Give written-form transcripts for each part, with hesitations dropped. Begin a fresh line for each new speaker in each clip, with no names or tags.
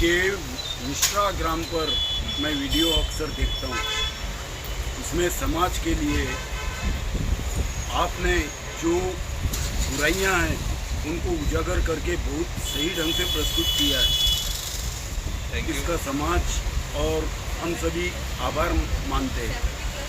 आपके इंस्टाग्राम पर मैं वीडियो अक्सर देखता हूँ, उसमें समाज के लिए आपने जो बुराइयां हैं उनको उजागर करके बहुत सही ढंग से प्रस्तुत किया है।
Thank you.
इसका समाज और हम सभी आभार मानते हैं।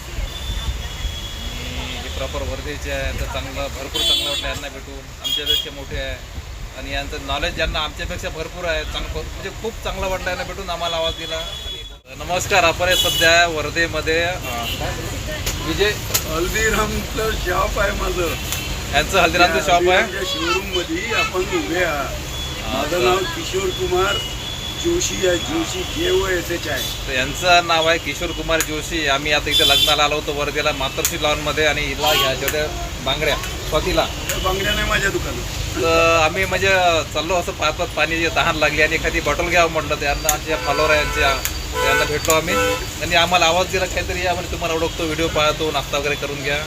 हे प्रॉपर वर्धेचे आहे तर चांगलं भरपूर चांगलं वाटलं यांना भेटून. आमच्यापेक्षा मोठे आहे आणि यांचं नॉलेज ज्यांना आमच्यापेक्षा भरपूर आहे म्हणजे खूप चांगलं वाटलं यांना भेटून. आम्हाला आवाज दिला. आणि नमस्कार, आपण हे सध्या वर्धेमध्ये विजय
हल्दीरामचं शॉप आहे माझं.
यांचं हल्दीरामचं शॉप आहे.
शोरूम मध्ये आपण उभे आहात. माझं नाव किशोर कुमार जोशी आहे. जोशी JOSH आहे.
तर यांचं नाव आहे किशोर कुमार जोशी. आम्ही आता इथे लग्नाला आलो होतो वर्धेला मातर्श्री लॉनमध्ये आणि हिला घ्यायच्या होत्या बांगड्या स्वातीला.
बांगड्या नाही माझ्या दुकानात.
तर आम्ही म्हणजे चाललो असं पाहत पाहत पाणी तहान लागली आणि एखादी बॉटल घ्यावं म्हटलं. त्यांना आमच्या फॉलोअर आहे यांना भेटलो आम्ही. त्यांनी आम्हाला आवाज दिला काहीतरी या म्हणजे तुम्हाला ओळखतो, व्हिडिओ पाहतो, नाश्ता वगैरे करून घ्या.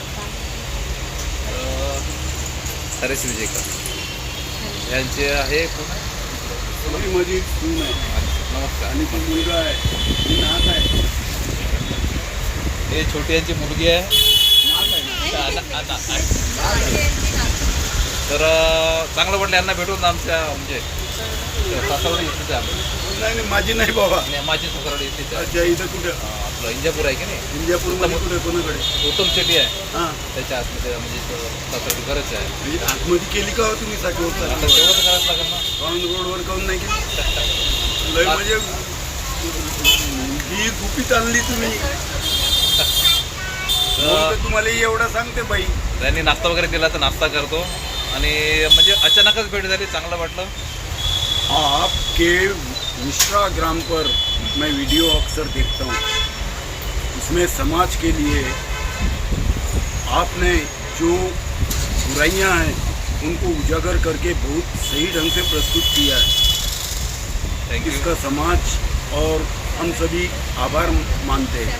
हरेश विजयकर यांचे आहे
माझी सून आहे.
नमस्कार.
आणि तो मुलगा आहे, ही नात आहे.
हे छोटी यांची मुलगी आहे. तर चांगलं वाटलं यांना भेटून. आमच्या म्हणजे सासवडी इथे
नाही माझी नाही बाबा.
माझी सासवडी इथे
अच्छा, इथं कुठं?
आपलं इंजापूर आहे की नाही,
इंजापूरमध्ये कुठे कोणाकडे?
उत्तम शेट्टी आहे
हां,
त्याच्या आतमध्ये म्हणजे सासवडी घरच आहे.
म्हणजे आतमध्ये केली का हो तुम्ही
आता
साठवता?
तेवढं तर करायचं लागेल ना.
राऊंड रोडवर काऊन नाही केली? लय म्हणजे ही गुपित आणली तुम्ही. म्हणून तर तुम्हाला एवढं सांगते बाई.
त्यांनी नाश्ता वगैरे दिला तर नाश्ता करतो. आणि म्हणजे अचानकच भेट झाली, चांगलं वाटलं.
आपके इंस्टाग्राम पर मैं वीडियो अक्सर देखता हूँ, उसमें समाज के लिए आपने जो बुराइयां हैं उनको उजागर करके बहुत सही ढंग से प्रस्तुत किया है.
Thank you.
इसका समाज और हम सभी आभार मानते हैं.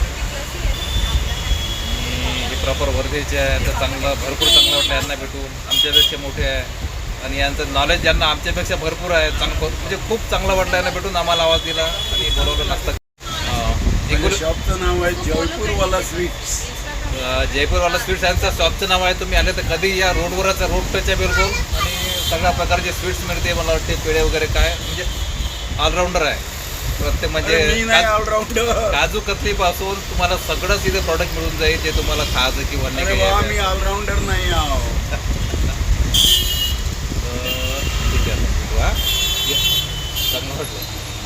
हे प्रॉपर वर्धेचे आहे तर भरपूर चांगलं वाटलं यांना भेटून. आमच्यापेक्षा मोठे आहे आणि यांचं नॉलेज ज्यांना आमच्यापेक्षा भरपूर आहे म्हणजे खूप चांगलं वाटलं यांना भेटून. आम्हाला आवाज दिला आणि बोलवलं नाश्ता.
शॉपचं नाव आहे जयपूरवाला स्वीट्स.
जयपूरवाला स्वीट्स यांचं शॉपचं नाव आहे. तुम्ही आले तर कधी या रोडवरच, रोड टच आहे बिलकुल. आणि सगळ्या प्रकारचे स्वीट्स मिळते. मला वाटते पेढे वगैरे काय म्हणजे ऑलराऊंडर आहे प्रत्येक. म्हणजे
ऑलराऊंडर.
काजू कतली पासून तुम्हाला सगळंच इथे प्रॉडक्ट मिळून जाईल जे तुम्हाला खायचं किंवा नाही.
आम्ही ऑलराऊंडर नाही आहोत.
ठीक आहे. वा चांगलं वाटलं.